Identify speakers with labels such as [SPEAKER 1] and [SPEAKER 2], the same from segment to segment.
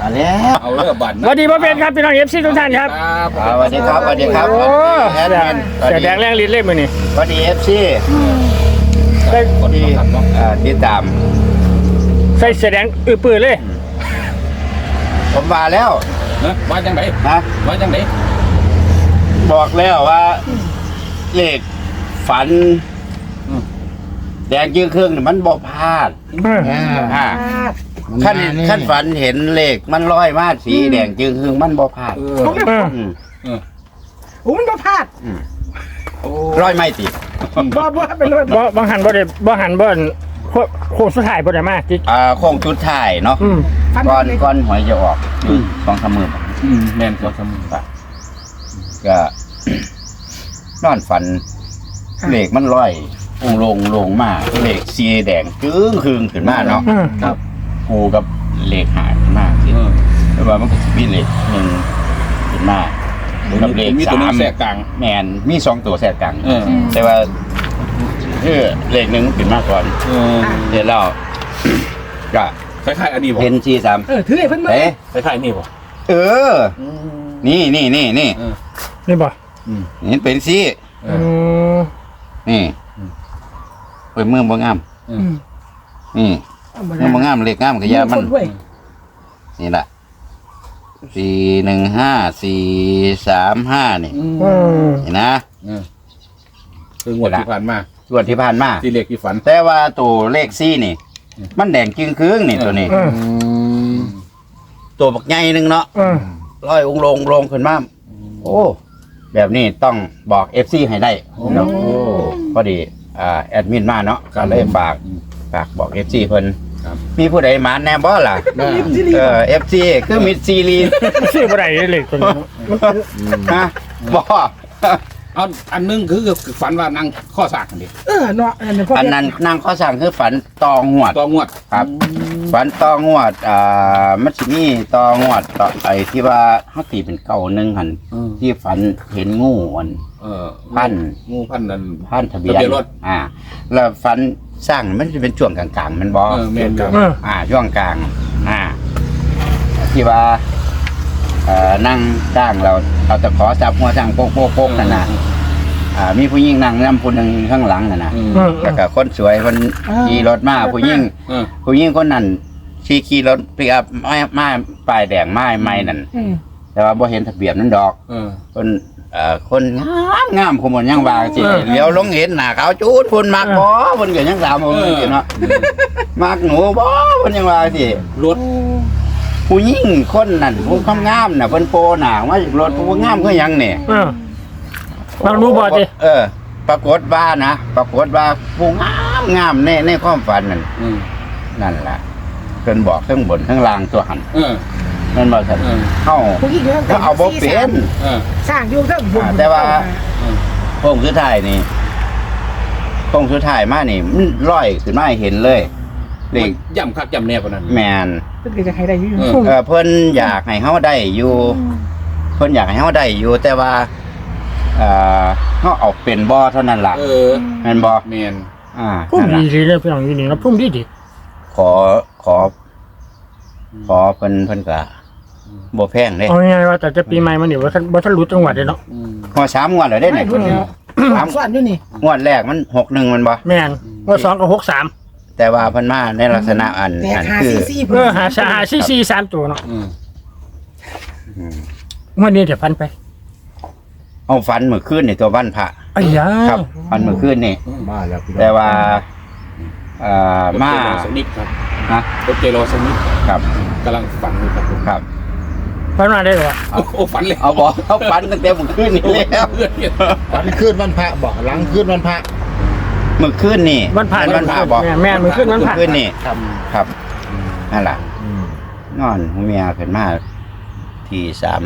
[SPEAKER 1] มาแล้วเอาเรื่องบัตร
[SPEAKER 2] สวัสดีพ่อเป็นครับพี่น้องFCทุกท่านครับ
[SPEAKER 1] สวัสดีครับสวัสดีครับ
[SPEAKER 2] โอ้
[SPEAKER 1] แอดมิน
[SPEAKER 2] แสดงแรงลิ้นเล่มมือนี่
[SPEAKER 1] สวัสดี FC
[SPEAKER 2] ได้
[SPEAKER 1] สวัสดีติดตาม
[SPEAKER 2] ใส่แสดงปื้อเลย
[SPEAKER 1] ผมมาแล้ว
[SPEAKER 3] ว่าจังไหน
[SPEAKER 1] นะ
[SPEAKER 3] ว่าจังไหน
[SPEAKER 1] บอกแล้วว่าเลขฝันแดงยื้อเครื่องนี่มันบ่พลาดขั้นฝันเห็นเลขมันลอยมาสีแดงยื้อเครื่องมันบ่พลาด
[SPEAKER 4] โอ้มันบ่พลาด
[SPEAKER 1] ร้อยไม่ติด
[SPEAKER 4] บ่เป็นเลย
[SPEAKER 2] บางหันบ่ได้บางหันบ่โค้งสุดท้ายบ่ได้มาจิ
[SPEAKER 1] โค้งชุดท้ายเนาะก้อนหวยจะออก2-3 มื้อ
[SPEAKER 3] แม่นกว่าสมุน
[SPEAKER 1] ก็ นอนฝันเลขมันลอยลงมาเลขสีแดงจึ้งคืงขึ้นมาเนาะ
[SPEAKER 3] ครับ
[SPEAKER 1] กูกับเลขหายขึ้นมาสิแต่ว่ามันก็มีเลขหนึ่งขึ้นมากับเลข
[SPEAKER 3] มีตัวนึ
[SPEAKER 1] สาง ม
[SPEAKER 3] แทรกกลาง
[SPEAKER 1] แมนมี2 ตัวแทรกกลาง แต่ว่าเลขหนึ่งขึ้นมาก่อนเดี๋ยวเราก็
[SPEAKER 3] คล้ายๆอันนี้บ่
[SPEAKER 1] เห็น43
[SPEAKER 4] ถือให้เพิ่นมา
[SPEAKER 1] เอ๊ะ
[SPEAKER 3] คล้ายๆนี่บ่
[SPEAKER 1] นี่
[SPEAKER 2] นี่บ่
[SPEAKER 1] เห็นเป็นสิ นี่เปิดมือบ่งามนี่มือบ่งามเลขงามก็ยามันนี่แหละ415 435นี่เห็นนะ
[SPEAKER 3] คืองวดที่ผ่านมา
[SPEAKER 1] ส่วนที่ผ่านมา
[SPEAKER 3] ที่เลขที่ฝัน
[SPEAKER 1] แต่ว่าตัวเลขซี่นี่ มันแดงจึงครึ่งนี่ตัวนี้ ตัวบักใหญ่หนึงเนาะร้อยองค์ลงขึ้นมาโอ้แบบนี้ต้องบอก FC ให้ได้เนาะพอดีแอดมินมาเนาะก็เลยฝากบอก FC เพิ่นมีผู้ใดมาแน่บ่ล่ะFC คือมิดซีรีส์
[SPEAKER 2] ซื้อบ่ได้เลยตัวนี้
[SPEAKER 1] ฮะบ่
[SPEAKER 3] เอาอันนึงคือฝันว่านั่งข้อสากกันดิ
[SPEAKER 4] เนาะ
[SPEAKER 1] อันนั้นนางข้อสั่งคือฝันตองหวด
[SPEAKER 3] ตัวงวด
[SPEAKER 1] ครับฝันตองวดมันสิมีตองวดต่อไอ้ที่ว่าเฮาตีเป็น9-1หั่นที่ฝันเห็นงูอัน พัน
[SPEAKER 3] งูพันนั่น
[SPEAKER 1] พันทะเบียน
[SPEAKER 3] ทะเบียนรถ
[SPEAKER 1] แล้วฝันสร้างมันจะเป็นช่วงกลางๆมันบ่
[SPEAKER 3] แม่นครับ
[SPEAKER 1] ช่วงกลางที่ว่านั่งจ้างเราจะขอจับหัวจ้างโป๊กๆนั่นน่ะมีผู้หญิงนั่งนำผู้หนึงข้างหลังนั่นน่ะแล้วก็คนสวยคนขี่รถมาผู้หญิงคนนั้นขี่รถปิกอัพมาป้ายแดงไม้นั่นแต่ว่าบ่เห็นทะเบียนนั่นดอกคนงามขมวดยังว่าสิเลี้ยวลงเห็นหน้าขาวจูดพุ่นมักบ่เพิ่นก็ยังถามผมอยู่เนาะมักหนูบ่เพิ่นยังว่าสิ
[SPEAKER 3] รถ
[SPEAKER 1] ผู้หญิงคนนั้นผู้งามน่ะเพิ่นโปหน้ามาจากรถผู้งามคือหยังนี่
[SPEAKER 2] บางรู้บ่จิ
[SPEAKER 1] ปรากฏว่าผู้งามในความฝันนั่นล่ะเพิ่นบอกทั้งบนทั้งล่างตัวหันนั่นบ่ซั่นเฮาเอาบ่เป็น
[SPEAKER 4] สร้างอยู่เทิงบุญ
[SPEAKER 1] แต่ว่าโค้งสุดท้ายนี่โค้งสุดท้ายมานี่มันลอยขึ้นมาให้เห็นเลยเลข
[SPEAKER 3] ย่ำคักย่ำแน่ปานนั้น
[SPEAKER 1] แมน
[SPEAKER 4] เพิ่นก็จะให้ได้อยู่
[SPEAKER 1] เพิ่นอยากให้เฮาได้อยู่เพิ่นอยากให้เฮาได้อยู่แต่ว่าเฮาเอาเป็นบ่เท่านั้นล่ะแม่นบ่
[SPEAKER 3] แม่น
[SPEAKER 2] พุ่มดีเลยพี่น้องอยู่นี่นะพุ่มดี
[SPEAKER 1] ขอเพิ่นก็บ่แพงเด้
[SPEAKER 2] เอาง่ายๆว่าแต่จะปีใหม่มานี่บ่ทันรู้จังหวัดเลยเนาะ
[SPEAKER 1] พอ3งวดแล้วเด้นี่
[SPEAKER 4] สอนอยู่นี่
[SPEAKER 1] งวดแรกมัน61มันบ่
[SPEAKER 2] แม่นว่า2กับ63
[SPEAKER 1] แต่ว่าเพิ่นมาในลักษณะอันคือ
[SPEAKER 2] หา3ตัวเนาะวันนี้จะฟันไป
[SPEAKER 1] เอาฟันมื้อคืนนี่ตัววันพระ
[SPEAKER 2] อ้ยา
[SPEAKER 1] ครับฟันมื้อคืนนี่
[SPEAKER 3] มาแล้วพี่น้อง
[SPEAKER 1] แต่ว่ามา
[SPEAKER 3] สนิทครับ
[SPEAKER 1] ฮะ
[SPEAKER 3] รถเจโรสนิท
[SPEAKER 1] ครับ
[SPEAKER 3] กำลังฝันอยู่ครับผม
[SPEAKER 1] ครับ
[SPEAKER 2] ฟันมาได้เหรอ
[SPEAKER 3] โอ้ฝันเลย
[SPEAKER 1] เอาบอกเขาฟันตั้งแต่มื้อคืนนี่แล้ว
[SPEAKER 5] วันขึ้นวันพระบอกหลังขึ้นวันพระ
[SPEAKER 1] มื้อคืนนี่
[SPEAKER 2] วันผ่าน
[SPEAKER 1] วันพระบอก
[SPEAKER 2] แม่นมื้อคืนวันผ่าน
[SPEAKER 1] มื้อคืนนี่
[SPEAKER 5] ครับ
[SPEAKER 1] ครับนั่นล่ะนอนหูเมียขึ้นมาที่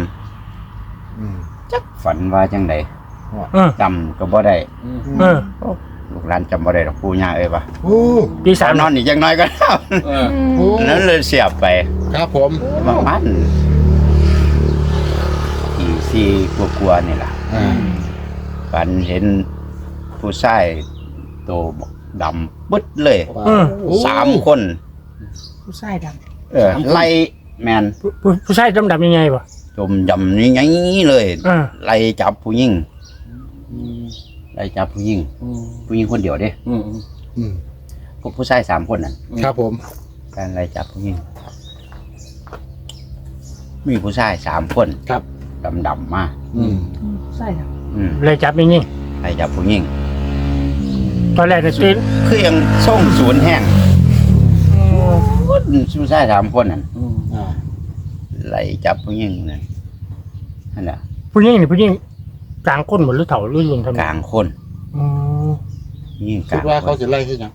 [SPEAKER 1] 3จักฝันว่าจังได๋จำก็บ่ได้ ลูกหลานจำบ่ได้ดอกปู่ย่าเอ้ยว่า
[SPEAKER 5] โอ้
[SPEAKER 2] ปี
[SPEAKER 1] สามนอน
[SPEAKER 2] 3
[SPEAKER 1] อีกจังน้อยก็ได้
[SPEAKER 5] โอ้
[SPEAKER 1] นั้นเลยเสียบไป
[SPEAKER 5] ครับผม
[SPEAKER 1] ประมาณที่4กว่าๆนี่ล่ะฝันเห็นผู้ชายโตดำปึ๊ดเลย3 คน
[SPEAKER 4] ผู้ชายดำ
[SPEAKER 1] แมน
[SPEAKER 2] ผู้ชายดำๆยังไงบ่
[SPEAKER 1] จมยำนี่ไงเลย ไล่จับผู้หญิงไล่จับผู้หญิงผู้หญิงคนเดียวเด้ พวกผู้ชาย3 คนนั่น
[SPEAKER 5] ครับผม
[SPEAKER 1] การไล่จับผู้หญิงมีผู้ชาย3 คน
[SPEAKER 5] ครับ
[SPEAKER 1] ดำมา
[SPEAKER 4] ใช่ครับ
[SPEAKER 2] เลยจับยังไง
[SPEAKER 1] ไล่จับผู้หญิง
[SPEAKER 2] ตอนแรกเนี่ยตื่น
[SPEAKER 1] คือยังส่งศูนย์แห้งผู้ชาย3 คนนั่น
[SPEAKER 5] อ่า
[SPEAKER 1] ไล่จับผู้หญิงนั่นแหละ
[SPEAKER 2] ผู้หญิงนี่ผู้หญิงกลางก้นหมดหรือเถ่าหรือลุนทำไม
[SPEAKER 1] กลางคน
[SPEAKER 2] อืม
[SPEAKER 1] ผู้หญิงก
[SPEAKER 5] คิ
[SPEAKER 1] ลา
[SPEAKER 5] ด
[SPEAKER 1] ง
[SPEAKER 5] ว่า
[SPEAKER 1] ค
[SPEAKER 5] เขา
[SPEAKER 1] น
[SPEAKER 5] จะไล่ขึ้นยัง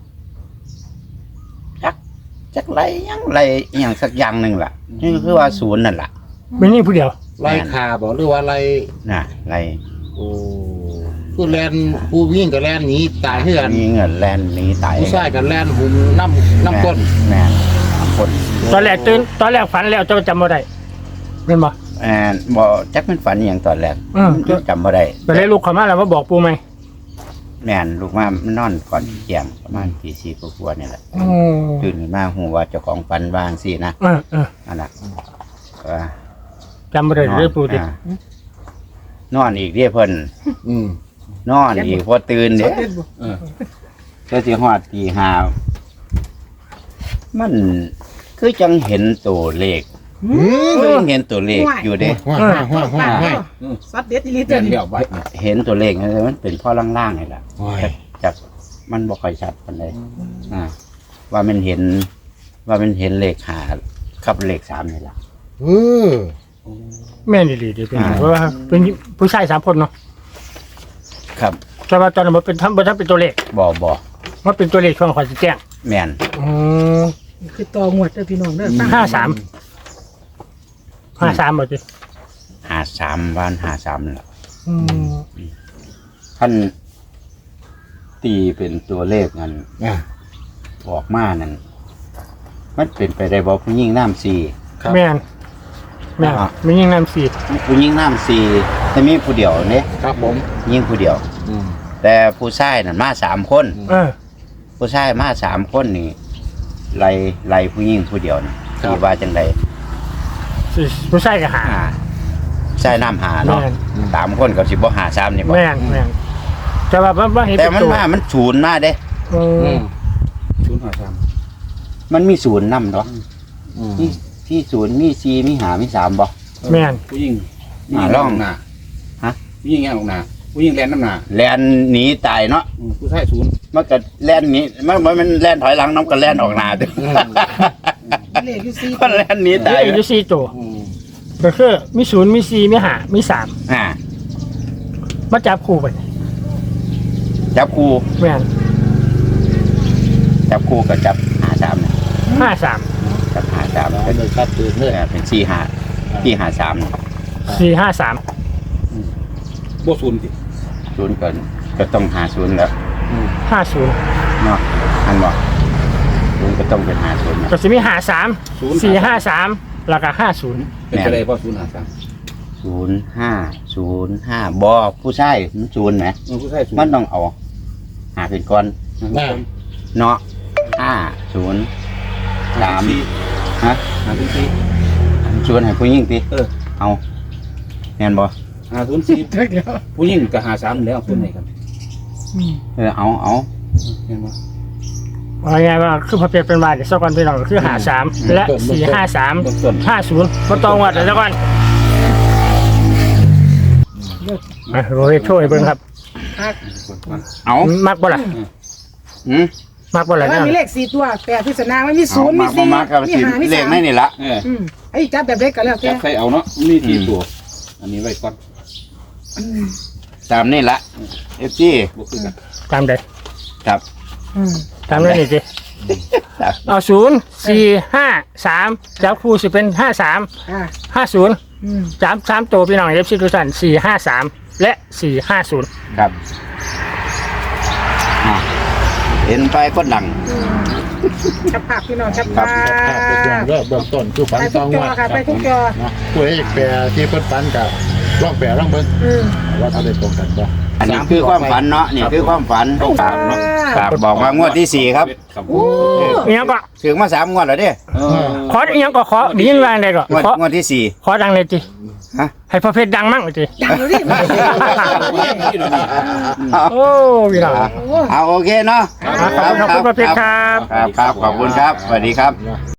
[SPEAKER 1] จักไล่ยังไล่อหย่างสักอย่างหนึ่งล่ะนี่คือว่าศูนย์นั่นล่ะ
[SPEAKER 2] ไม่นี่ผู้เดียว
[SPEAKER 5] ไล่คาบอกหรือว่าไล่
[SPEAKER 1] น่ะไล่
[SPEAKER 5] โอ้ผู้แลนผู้วิ่งกับแลนหนีตายเฮือน
[SPEAKER 1] มีเงินแลนหนีตาย
[SPEAKER 5] ผู้ชายกับแลนหุ่มน้ำก้น
[SPEAKER 1] แม่นคน
[SPEAKER 2] ตอนแรกตื่นตอนแรกฝันแล้วเจะจำบ่ได้เป็นบ่
[SPEAKER 1] บ่จักมันฝันอหย่างตอนแรก จำบ่ได้
[SPEAKER 2] ก็เลยลุกเข้ามาแล้วมาบอกปูไหม
[SPEAKER 1] แม่นลูกมามันนอนก่อนเที่ยงประมาณตี4กว่าๆนี่แหละ
[SPEAKER 2] อืม
[SPEAKER 1] ตื่นขึ้นมาหูว่าเจ้าของฝันวาจั่งสินะ อันน่ะว่า
[SPEAKER 2] จำบ่ได้เลยปูดิ
[SPEAKER 1] นอนอีกเด้เพิ่น
[SPEAKER 5] อืม
[SPEAKER 1] นอนอีกพอตื่น
[SPEAKER 4] ส
[SPEAKER 1] เด้
[SPEAKER 4] ดเด็ดบ่
[SPEAKER 1] ก็สิฮอดตี5มันคือจังเห็นตัวเลขคือจังเห็นตัวเลขอยู่เด้
[SPEAKER 5] ห้า
[SPEAKER 4] สดเด็ดอีหลี
[SPEAKER 3] เดื
[SPEAKER 4] เด้
[SPEAKER 3] อน
[SPEAKER 4] อ
[SPEAKER 3] เดียวไป
[SPEAKER 1] เห็นตัวเลขนะมันเป็นพ่อล่างๆนี่แหละ
[SPEAKER 5] โอ้ย
[SPEAKER 1] จากมันบ่ค่อยชัดปานใดว่ามันเห็นเลข5กับเลข3นี่ล่ะ
[SPEAKER 5] เออ
[SPEAKER 2] แม่นดีดีเป็นเพราะว่าเป็นผู้ชาย3 คนเนาะ
[SPEAKER 1] ครับ
[SPEAKER 2] แต่ว่าตอนนั้นมันเป็นทำเป็นตัวเลข
[SPEAKER 1] บ่
[SPEAKER 2] มันเป็นตัวเลขช่วงขอสิแจ้ง
[SPEAKER 1] แม่น
[SPEAKER 2] อืม
[SPEAKER 4] คือต่องวดเด้อพี่น้องเด้อตั้ง
[SPEAKER 2] 53บ่จิ
[SPEAKER 1] 53วัน53นั่นล่ะ
[SPEAKER 2] อืม
[SPEAKER 1] ท่านตีเป็นตัวเลขนั้น
[SPEAKER 5] อ่า
[SPEAKER 1] ออกมานั่นมันเป็นไปได้บ่ผู้หญิงน้ำสี่
[SPEAKER 5] ครับ
[SPEAKER 2] แม่นมียิงนำสี
[SPEAKER 1] ผู้หญิงน้ำสี่แต่มีผู้เดียวเนี่ย
[SPEAKER 5] ครับผม
[SPEAKER 1] ยิงผู้เดียว
[SPEAKER 5] อืม
[SPEAKER 1] แต่ผู้ชายนั่นมา3 คน ผู้ชายมา3 คนนี่ไล่ผู้หญิงผู้เดียวนี่ที่ว่าจังได
[SPEAKER 2] ผู้ชายก็หา
[SPEAKER 1] ใช่น้ำหาเนาะ
[SPEAKER 2] แม่น
[SPEAKER 1] 3 คนกับสิบ่หา3นี่บ่
[SPEAKER 2] แม่นแต่ว่ามันเห็น
[SPEAKER 1] แต่
[SPEAKER 2] เป็น
[SPEAKER 1] มัน
[SPEAKER 2] ตัว
[SPEAKER 1] มันศูนย์มาเด้
[SPEAKER 2] อืม
[SPEAKER 3] 053
[SPEAKER 1] มันมีศูนย์นำเนาะ
[SPEAKER 5] อืม
[SPEAKER 1] ที่ศูนย์มี4มี5มี3บ่
[SPEAKER 2] แม่น
[SPEAKER 3] ผู้หญิง
[SPEAKER 1] ล่อง
[SPEAKER 3] หน้า
[SPEAKER 1] ฮะ
[SPEAKER 3] ผู้หญิงแง่ลงหน้าผู้หญิงแลนน้ำหน้า
[SPEAKER 1] แล่นหนีตายเนาะ
[SPEAKER 3] ผู้ชายศูนย์
[SPEAKER 1] มันก็แล่นหนีมันแล่นถอยหลังน้ำก็แล่นออกหน้าเด้อ
[SPEAKER 4] เลขอยู่4
[SPEAKER 1] มันแล่นหนี
[SPEAKER 2] ตา
[SPEAKER 1] ตาย ย
[SPEAKER 2] อยู่4ตัว
[SPEAKER 5] อืม
[SPEAKER 2] ก็คือมี0มี4มี5มี3
[SPEAKER 1] อ่า
[SPEAKER 2] มาจับคู่ไป
[SPEAKER 1] จับคู่
[SPEAKER 2] แม่น
[SPEAKER 1] จับคู่กับจับ53นะ
[SPEAKER 2] 53
[SPEAKER 1] จับ53
[SPEAKER 5] เอาเลยชัดเจนเลย
[SPEAKER 1] เป็น4-5ที่53นะ
[SPEAKER 2] 453
[SPEAKER 3] บ่ศูนย์สิ
[SPEAKER 1] ศูนย์ก็ต้อง50แล้ว
[SPEAKER 2] 50
[SPEAKER 1] เนาะอันบ่ศูนย์ก็ต้องเป็น50นะ
[SPEAKER 2] ก็สิมี53 453แล้วก็50
[SPEAKER 3] เป็นอะไรเพราะ053
[SPEAKER 1] 05บ่ผู้ชายมันศูนย์ไหม
[SPEAKER 3] ผู้ชายศูนย์
[SPEAKER 1] มันต้องเอาหาเป็นก่อน
[SPEAKER 5] อ่า
[SPEAKER 1] เนาะ503ฮะ
[SPEAKER 3] 504
[SPEAKER 1] ชวนให้ผู้หญิงติ เอาแม่นบ่
[SPEAKER 3] 504
[SPEAKER 4] เด้อเดี๋ยว
[SPEAKER 3] ผู้หญิงก็53แล้วคนไหนกัน
[SPEAKER 1] เอา
[SPEAKER 3] เห็นบ่
[SPEAKER 2] ว่าไงว่าคือพอเปลี่ยนเป็นว่าเดี๋ยวสักวันพี่น้องก็คือ53และ453
[SPEAKER 3] ต้น
[SPEAKER 2] 50บ่ต้องวัดเดี๋ยวสักวันโรยช่วยเบิ่งครับ
[SPEAKER 1] เอา
[SPEAKER 2] มักบ่ล่ะ
[SPEAKER 1] หืม
[SPEAKER 2] มักบ่ล่ะ
[SPEAKER 4] แต่
[SPEAKER 2] เนี่
[SPEAKER 4] ว่าย มีเลข4ตัวแปลพิศนามันมี0มี
[SPEAKER 1] มา
[SPEAKER 4] 4
[SPEAKER 1] กับ
[SPEAKER 4] มี
[SPEAKER 1] สิ
[SPEAKER 4] 5มี
[SPEAKER 1] เลขใน
[SPEAKER 4] 3
[SPEAKER 1] นี่ละ
[SPEAKER 4] ไอ้จับแบบเล็กก็แล้ว
[SPEAKER 3] จั
[SPEAKER 4] แต่
[SPEAKER 3] บใส่เอาเนาะมีที่ตัวอันนี้ไว้ก่อน
[SPEAKER 1] ตามนี่ละ FG
[SPEAKER 3] บ่คือกัน
[SPEAKER 2] ตามใด
[SPEAKER 1] ครับ
[SPEAKER 2] ตามนั้นนี่สิเอา0-4-5-3จับคู่สิเป็น53-50จับ3ตัวพี่น้อง FC ทุกท่าน453และ450
[SPEAKER 1] ครับเห็นไปก็ดัง
[SPEAKER 4] จับภาพพี่น้องจับ
[SPEAKER 1] ครั
[SPEAKER 4] ภา
[SPEAKER 1] บ
[SPEAKER 5] ภาพเป็นอย่าง
[SPEAKER 4] พ
[SPEAKER 5] เริ่มเบื้องต้นคือฝัน
[SPEAKER 4] ไป
[SPEAKER 5] ต
[SPEAKER 4] ทุ
[SPEAKER 5] อก ง
[SPEAKER 4] จ
[SPEAKER 5] วั
[SPEAKER 4] อ
[SPEAKER 5] ด
[SPEAKER 4] ค่ะไปทุกจอ
[SPEAKER 5] นะผู้เอกแปรที่เพิ่นฝันกับร่องแปรร่องเบิ่งว่าเขาได้ตรงกันบ่
[SPEAKER 1] อันนี้คือความฝันเนาะนี่คือความฝัน
[SPEAKER 4] ต้อง
[SPEAKER 1] ฝั
[SPEAKER 4] ฝั
[SPEAKER 1] น
[SPEAKER 4] น
[SPEAKER 1] เนาะครับบอกว่างวดที่ 4ครับ
[SPEAKER 3] ครับ
[SPEAKER 4] โอ้
[SPEAKER 2] อีหยังก็
[SPEAKER 1] ถึงมา3 งวดแล้วเด้
[SPEAKER 2] ขออีหยังก็ขอดียินว่าได้ก็
[SPEAKER 1] งวดที่
[SPEAKER 2] ขอดังเลยจิ
[SPEAKER 1] ฮะ
[SPEAKER 2] ให้พ่อเพชรดังมั่งจิ
[SPEAKER 4] ดังเลยดิ
[SPEAKER 2] โอ้พี่น้อง
[SPEAKER 1] เอาโอเคเนาะ
[SPEAKER 2] ขอบคุณพ่อเพชรครับ
[SPEAKER 1] ครับขอบคุณครับสวัสดีครับ